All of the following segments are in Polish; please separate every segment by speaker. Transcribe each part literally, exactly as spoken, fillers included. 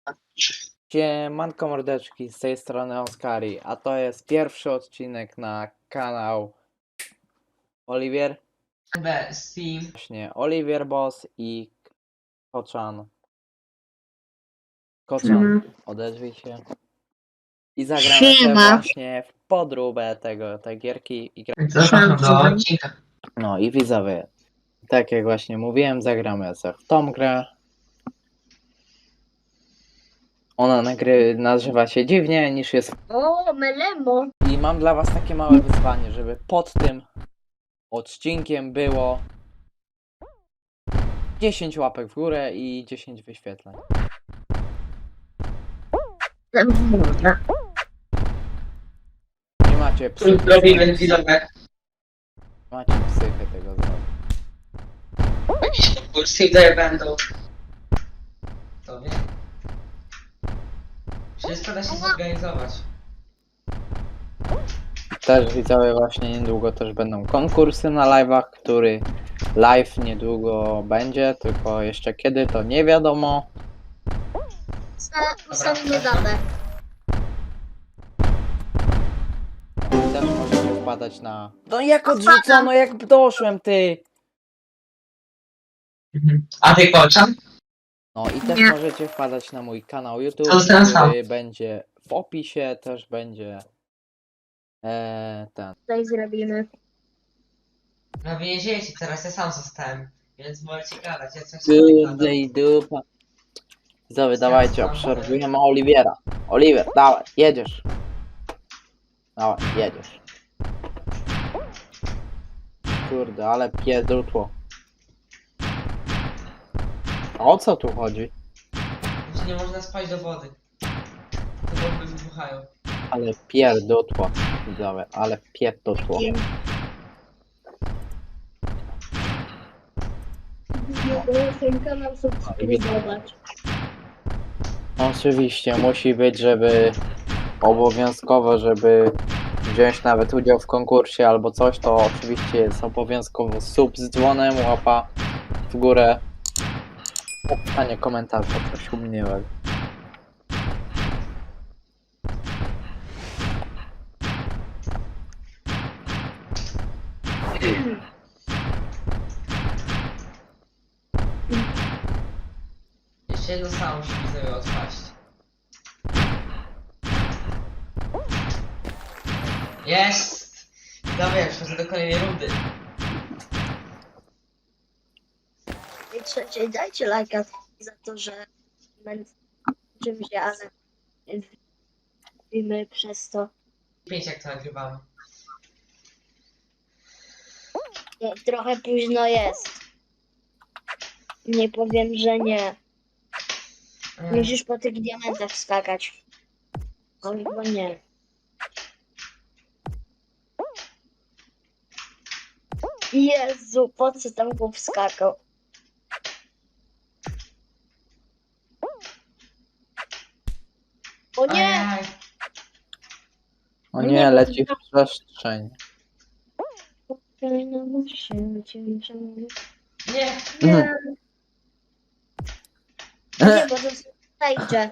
Speaker 1: Siemanko mordeczki, z tej strony Oskari, a to jest pierwszy odcinek na kanał Oliwier,
Speaker 2: Steam.
Speaker 1: właśnie Oliwier Boss i Koczan. Koczan,
Speaker 3: Mhm.
Speaker 1: odezwij się. I zagramy sobie
Speaker 3: Siema.
Speaker 1: właśnie w podróbę tego, tej gierki. I gra...
Speaker 2: Zapraszam do
Speaker 3: Siema.
Speaker 2: odcinka.
Speaker 1: No i widzowie, tak jak właśnie mówiłem, zagramy sobie w tą grę. Ona nagry... nazywa się dziwnie niż jest.
Speaker 3: O, melemo.
Speaker 1: I mam dla was takie małe wyzwanie, żeby pod tym odcinkiem było dziesięć łapek w górę i dziesięć wyświetleń.
Speaker 3: Dobra.
Speaker 1: Nie macie psychy,
Speaker 2: Robimy widzowie.
Speaker 1: macie psychy tego zrobić.
Speaker 2: Jakieś konkursy tutaj będą. To wie. Wszystko da się zorganizować.
Speaker 1: Też widzowie, właśnie niedługo też będą konkursy na live'ach, który live niedługo będzie, tylko jeszcze kiedy to nie wiadomo.
Speaker 3: Ustalimy datę.
Speaker 1: I też możecie wpadać na... No jak odrzucono, jak doszłem ty!
Speaker 2: A ty koczan?
Speaker 1: No i też
Speaker 3: Nie.
Speaker 1: możecie wpadać na mój kanał YouTube,
Speaker 2: To ten sam.
Speaker 1: który będzie w opisie, też będzie e, ten.
Speaker 3: Tutaj zrobimy.
Speaker 2: No więziecie, teraz ja sam zostałem. Więc możecie gadać, ja coś tam nie gadam.
Speaker 1: Kurde i dupa. Widzowie, dawajcie, obserwujemy Oliwiera. Oliver, dawaj, jedziesz. Dawaj, jedziesz. Kurde, ale pierdutło. A o co tu chodzi?
Speaker 2: Że nie można spać do wody. To bomby wybuchają.
Speaker 1: Ale pierdutło, widzowie, ale pierdutło.
Speaker 3: Ten kanał subskrybować.
Speaker 1: Oczywiście, musi być, żeby obowiązkowo, żeby wziąć nawet udział w konkursie albo coś, to oczywiście jest obowiązkowo sub z dzwonem, łapa w górę. Pisanie komentarza, coś umniejszego.
Speaker 2: Jeszcze jedno samo musi widzowie odpaść. Jest! Dobra, przechodzę do kolejnej rundy.
Speaker 3: I trzecie, dajcie lajka za to, że będę czymś, ale robimy przez to.
Speaker 2: Pięć jak to nagrywamy.
Speaker 3: Nie, trochę późno jest. Nie powiem, że nie.
Speaker 2: Mm.
Speaker 3: Musisz po tych diamentach skakać. Albo nie. Jezu, po co tam go wskakał? O nie!
Speaker 2: Ajaj.
Speaker 1: O
Speaker 3: Nie,
Speaker 1: nie,
Speaker 3: bo-
Speaker 1: leci w przestrzeń.
Speaker 2: Nie!
Speaker 3: Nie, nie, bo to zajdzie.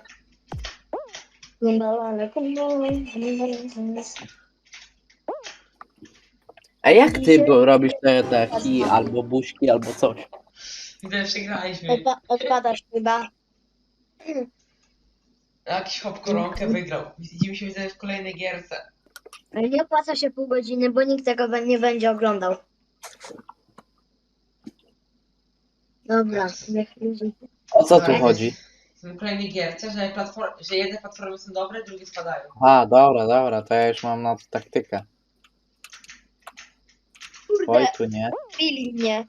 Speaker 1: A jak ty bo robisz te, te hi, albo buźki, albo coś?
Speaker 2: Gdy przegraliśmy.
Speaker 3: Odpa- odpadasz chyba.
Speaker 2: Jakiś hop koronkę wygrał. Widzimy się widzę w kolejnej gierce.
Speaker 3: Ale nie opłaca się pół godziny, bo nikt tego be- nie będzie oglądał. Dobra, niech ludzie.
Speaker 1: O co tu chodzi?
Speaker 2: W kolejnej gierce, że, platform, że jedne platformy są dobre, drugie spadają.
Speaker 1: A, dobra, dobra, to ja już mam na to taktykę. Oj,
Speaker 3: Kurde,
Speaker 1: tu nie.
Speaker 3: bili mnie.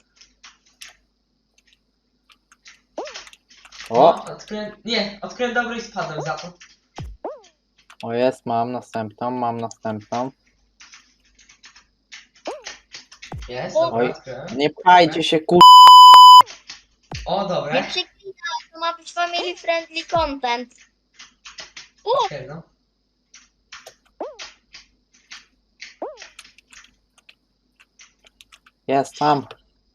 Speaker 1: O,
Speaker 2: No, odkryłem, nie, odkryłem dobre i spadłem za to.
Speaker 1: o jest, mam następną, mam następną.
Speaker 2: Jest,
Speaker 3: O.
Speaker 2: dobra,
Speaker 1: Oj.
Speaker 2: odkryłem.
Speaker 1: Nie pchajcie się, kur...
Speaker 2: O,
Speaker 3: Nie
Speaker 2: dobre.
Speaker 3: przeklinaj, to ma być family friendly content. O,
Speaker 2: Okej, no.
Speaker 1: Jest, tam.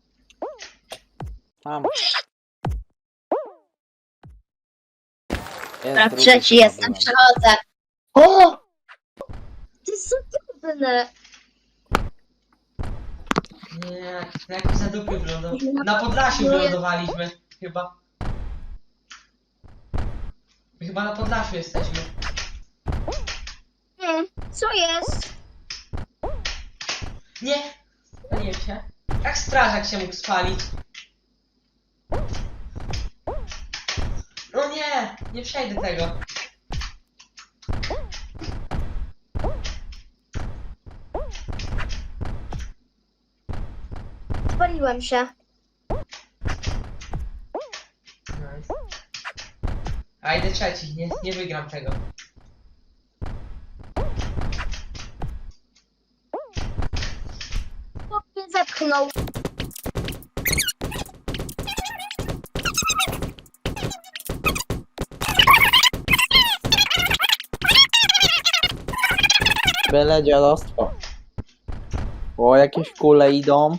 Speaker 1: Tam. Jest
Speaker 3: Dobra,
Speaker 1: drugi,
Speaker 3: trzeci
Speaker 1: chyba
Speaker 3: jestem,
Speaker 1: byłem.
Speaker 3: przechodzę. O! To jest za trudne.
Speaker 2: Nie, na jakiś zadupy wylądowaliśmy. Na Podlasiu wylądowaliśmy, chyba. My chyba na Podlasiu jesteśmy.
Speaker 3: Nie, co jest?
Speaker 2: Nie! Spaliłem się. Jak strażak się mógł spalić? No nie! Nie przejdę tego.
Speaker 3: Spaliłem się.
Speaker 2: Nice. A idę trzeci, nie, nie wygram tego.
Speaker 3: Chłop mnie zepchnął.
Speaker 1: Byle dziadostwo. O, jakieś kule idą.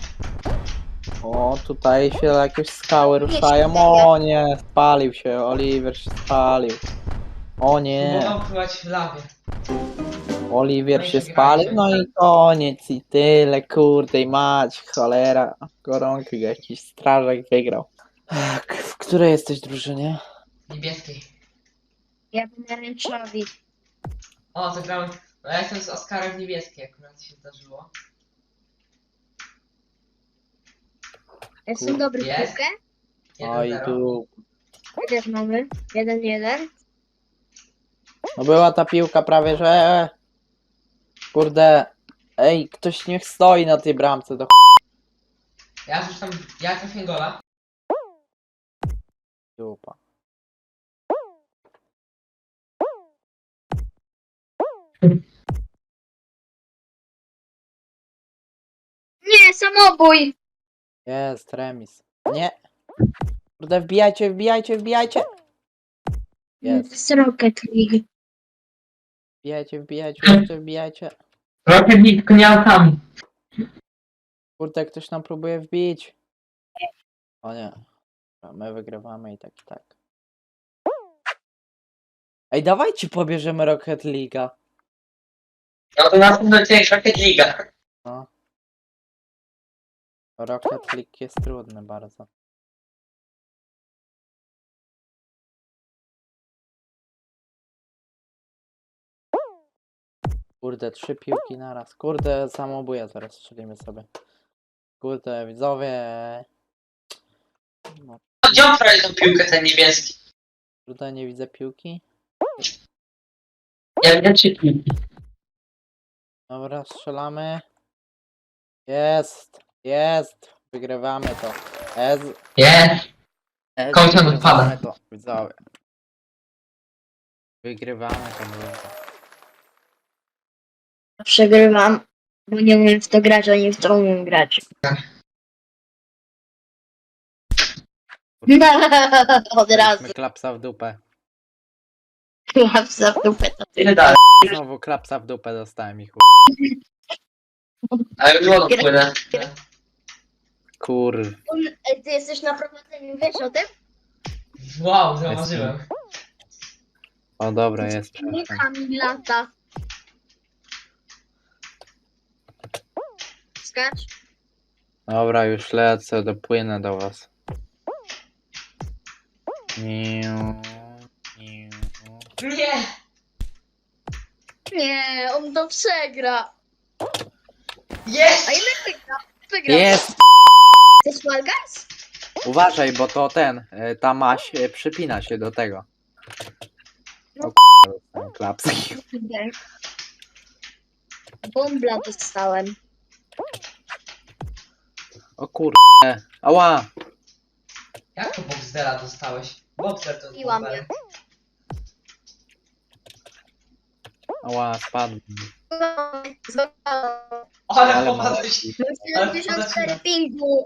Speaker 1: O, tutaj się jakieś skały ruszają. O nie, spalił się. Oliver się spalił. O nie,
Speaker 2: Próbował pływać w lawie.
Speaker 1: Oliwier
Speaker 2: No i
Speaker 1: się
Speaker 2: przegraliśmy.
Speaker 1: spalił. No i koniec. I tyle, kurde i mać. Cholera. Koronki, jakiś strażak wygrał. Ech, w której jesteś drużynie?
Speaker 2: Niebieskiej.
Speaker 3: Ja pomarańczowi.
Speaker 2: O, zagrałem. No ja jestem z Oskarem niebieskiej, akurat się zdarzyło.
Speaker 3: Jestem
Speaker 1: Kur-
Speaker 3: dobry w
Speaker 2: Jest.
Speaker 3: piłkę.
Speaker 1: Oj,
Speaker 2: jeden zero.
Speaker 1: tu.
Speaker 3: My też mamy. Jeden, jeden.
Speaker 1: No była ta piłka prawie, że... Kurde. Ej, ktoś niech stoi na tej bramce. Do
Speaker 2: Ja już tam. Ja trafię gola.
Speaker 1: chupa.
Speaker 3: Nie, samobój.
Speaker 1: Jest, remis. Nie. Kurde, wbijajcie, wbijajcie, wbijajcie.
Speaker 3: To
Speaker 1: Jest.
Speaker 3: jest Rocket League.
Speaker 1: Wbijajcie, wbijajcie, jeszcze wbijajcie.
Speaker 2: Rocket tylko nie autami.
Speaker 1: Kurde, ktoś nam próbuje wbić. O nie. A my wygrywamy i tak, i tak. Ej, dawajcie pobierzemy Rocket League'a.
Speaker 2: No to następny odcinek Rocket Liga.
Speaker 1: No. Rocket League jest trudny bardzo. Kurde, trzy piłki naraz. Kurde, samobuja zaraz strzelimy sobie. Kurde, widzowie. No,
Speaker 2: Gdzie on prawie tą piłkę, ten niebieski?
Speaker 1: kurde, nie widzę piłki.
Speaker 2: Ja wiem, czy piłki.
Speaker 1: Dobra, strzelamy. Jest, jest. Wygrywamy to. Ez,
Speaker 2: Jest.
Speaker 1: ez,
Speaker 2: Kończę
Speaker 1: wygrywamy
Speaker 2: odpada.
Speaker 1: to. Widzowie. Wygrywamy to. Mówię.
Speaker 3: Przegrywam, bo nie umiem w to grać, a nie w to umiem grać. Od razu.
Speaker 1: Mieliśmy klapsa w dupę.
Speaker 3: Klapsa w dupę to ty.
Speaker 2: Ile dalej?
Speaker 1: Znowu klapsa w dupę dostałem i chuj.
Speaker 2: Ale już wodą płynę.
Speaker 1: Kur...
Speaker 3: Ej, ty jesteś na prowadzeniu, wiesz o tym?
Speaker 2: Wow, zauważyłem.
Speaker 1: O dobra, jest.
Speaker 3: Nie
Speaker 1: przepraszam.
Speaker 3: Kamil lata. Skacz.
Speaker 1: Dobra, już lecę, dopłynę do was. Niu, niu.
Speaker 2: Nie!
Speaker 3: Nie, on to przegra.
Speaker 2: Jest!
Speaker 3: A ile wygra? Wygra.
Speaker 1: Jest!
Speaker 3: To jest Fall Guys?
Speaker 1: Uważaj, bo to ten, y, ta maś y, przypina się do tego. O k***a, klapski.
Speaker 3: Nie. Bombla dostałem.
Speaker 1: O kurde. Ała!
Speaker 2: Jak to Boxdela dostałeś? Boxer to
Speaker 3: Biła mnie.
Speaker 2: Boxer.
Speaker 1: Ała, spadłem.
Speaker 2: Ale
Speaker 1: Ale
Speaker 2: popadłeś.
Speaker 3: Mam siedemdziesiąt cztery pingu.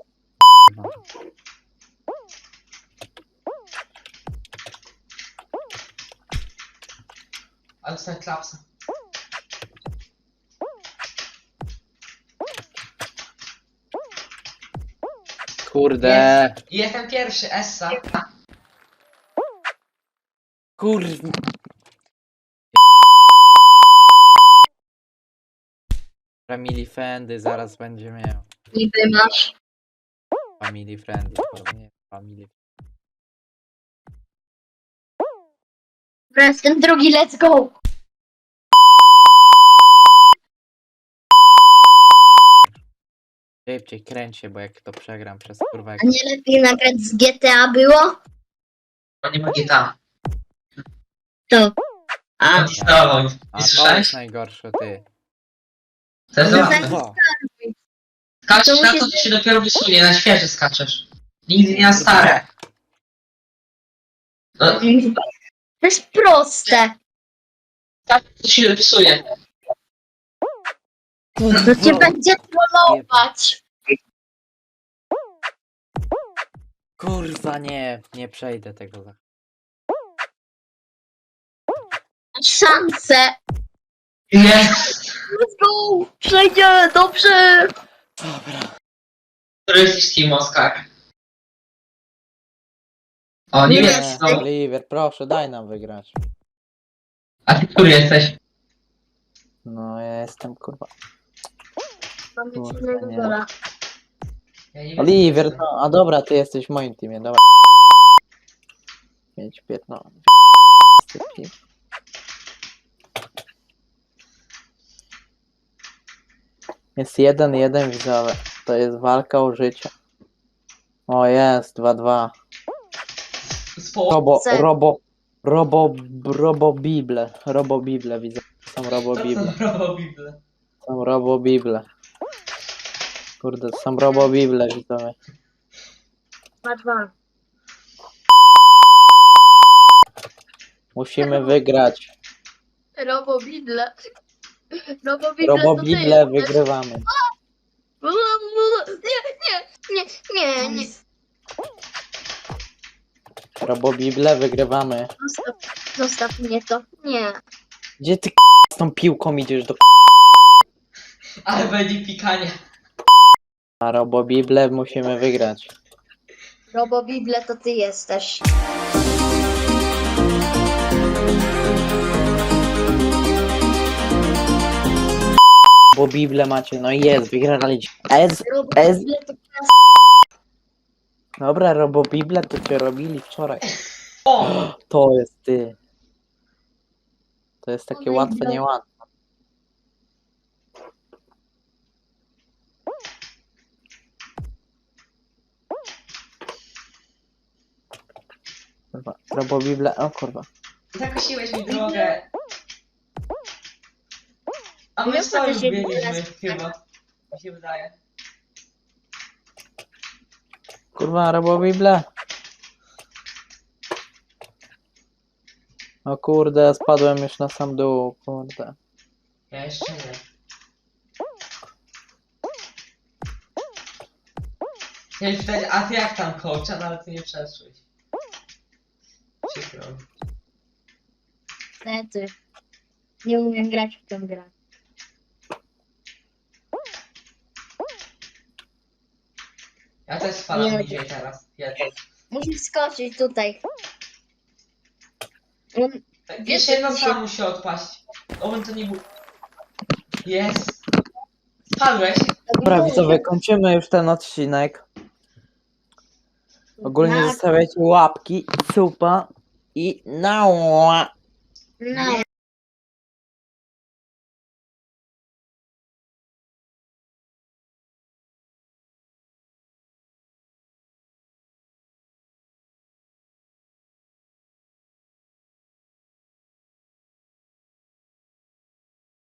Speaker 2: Ale dostałem klapsa.
Speaker 1: Kurde.
Speaker 2: I jestem pierwszy, Essa.
Speaker 1: Kurwa. Family friendly zaraz będzie miał.
Speaker 3: Niby masz.
Speaker 1: Family friendly, kurwa, nie family.
Speaker 3: Dobra, jestem drugi, let's go!
Speaker 1: Szybciej kręć się, bo jak to przegram przez kurwa jak...
Speaker 3: A nie lepiej nagrać z G T A było?
Speaker 2: On nie ma gita.
Speaker 3: To. A,
Speaker 2: Odinstalował.
Speaker 1: A
Speaker 2: Nie
Speaker 1: to jest
Speaker 2: słyszałeś?
Speaker 1: najgorsze, ty.
Speaker 2: To jest
Speaker 3: No
Speaker 2: zabawne.
Speaker 1: Kurwa.
Speaker 2: Skaczesz
Speaker 3: To
Speaker 2: na
Speaker 3: musi-
Speaker 2: to, to się dopiero wysunie, na świeże skaczesz. Nigdy nie na stare. No,
Speaker 3: to jest proste.
Speaker 2: tak to się wypsuje.
Speaker 3: To cię będzie trollować.
Speaker 1: Kurwa nie, nie przejdę tego. za-
Speaker 3: Masz szansę.
Speaker 2: Jest!
Speaker 3: Let's go! Przejdzie, dobrze!
Speaker 1: Dobra.
Speaker 2: Który jesteś Team Oscar? O, nie
Speaker 3: Nie
Speaker 2: wiem.
Speaker 3: wiem.
Speaker 2: No.
Speaker 1: Oliver, proszę, daj nam wygrać.
Speaker 2: A ty który jesteś?
Speaker 1: No ja jestem kurwa.
Speaker 3: Mamy
Speaker 1: Kurwa,
Speaker 3: silnego
Speaker 1: nie.
Speaker 3: gola.
Speaker 2: Ja nie wiem,
Speaker 1: Oliver,
Speaker 2: co
Speaker 1: no, a dobra, ty jesteś w moim teamie, dobra. pięć, piętnaście. Jest jeden, jeden widzowie. To jest walka o życie. O jest, dwa, dwa.
Speaker 2: jest. Spo...
Speaker 1: Robo,
Speaker 3: C.
Speaker 1: robo, robo, robo bible. Robo bible widzę. Są robo
Speaker 2: To
Speaker 1: bible.
Speaker 2: co robią Bible?
Speaker 1: Są robo bible. Kurde, są robo bible widzowie.
Speaker 3: dwa dwa.
Speaker 1: Musimy wygrać.
Speaker 3: Robo Bidle. Robo Bidle
Speaker 1: Robo
Speaker 3: to ty
Speaker 1: bible
Speaker 3: jesteś.
Speaker 1: wygrywamy.
Speaker 3: Nie, nie, nie, nie, nie.
Speaker 1: Robo bible wygrywamy.
Speaker 3: Zostaw, zostaw mnie to. Nie.
Speaker 1: Gdzie ty z tą piłką idziesz do
Speaker 2: Ale będzie pikanie.
Speaker 1: A Robo bible musimy wygrać.
Speaker 3: Robo Bidle to ty jesteś.
Speaker 1: Bo bible macie, no jest, wygraliście. Ez,
Speaker 3: Robo
Speaker 1: Ez.
Speaker 3: Bidle to
Speaker 1: dobra, Robo bible to cię robili wczoraj.
Speaker 2: O!
Speaker 1: To jest ty. To jest takie
Speaker 3: Oj,
Speaker 1: łatwe,
Speaker 3: no.
Speaker 1: niełatwe. Kurwa, Robo bible, o kurwa.
Speaker 2: Zakosiłeś mi drogę. A my
Speaker 3: Nie
Speaker 2: sami
Speaker 3: wchodzę się
Speaker 2: byliśmy
Speaker 3: teraz.
Speaker 2: chyba. Mi się wydaje.
Speaker 1: Kurwa, Robo bible. O kurde, spadłem już na sam dół, kurde.
Speaker 2: Ja jeszcze nie. Chciałem pytać, a ty jak tam coach? No ale ty nie przeszłeś. Przykro.
Speaker 3: niestety. Nie umiem grać w tę grę.
Speaker 2: Ja też spalam
Speaker 3: Nie.
Speaker 2: bliżej teraz. Ja też.
Speaker 3: Musisz skoczyć tutaj. On,
Speaker 2: Tak,
Speaker 3: Wiesz,
Speaker 2: jeszcze jedno
Speaker 3: jak się-
Speaker 2: sam musi odpaść. Owen to nie był. Jest. Spadłeś?
Speaker 1: Dobra, widzowie, kończymy już ten odcinek. Ogólnie
Speaker 3: Tak.
Speaker 1: zostawiajcie łapki, supa i nała.
Speaker 3: No.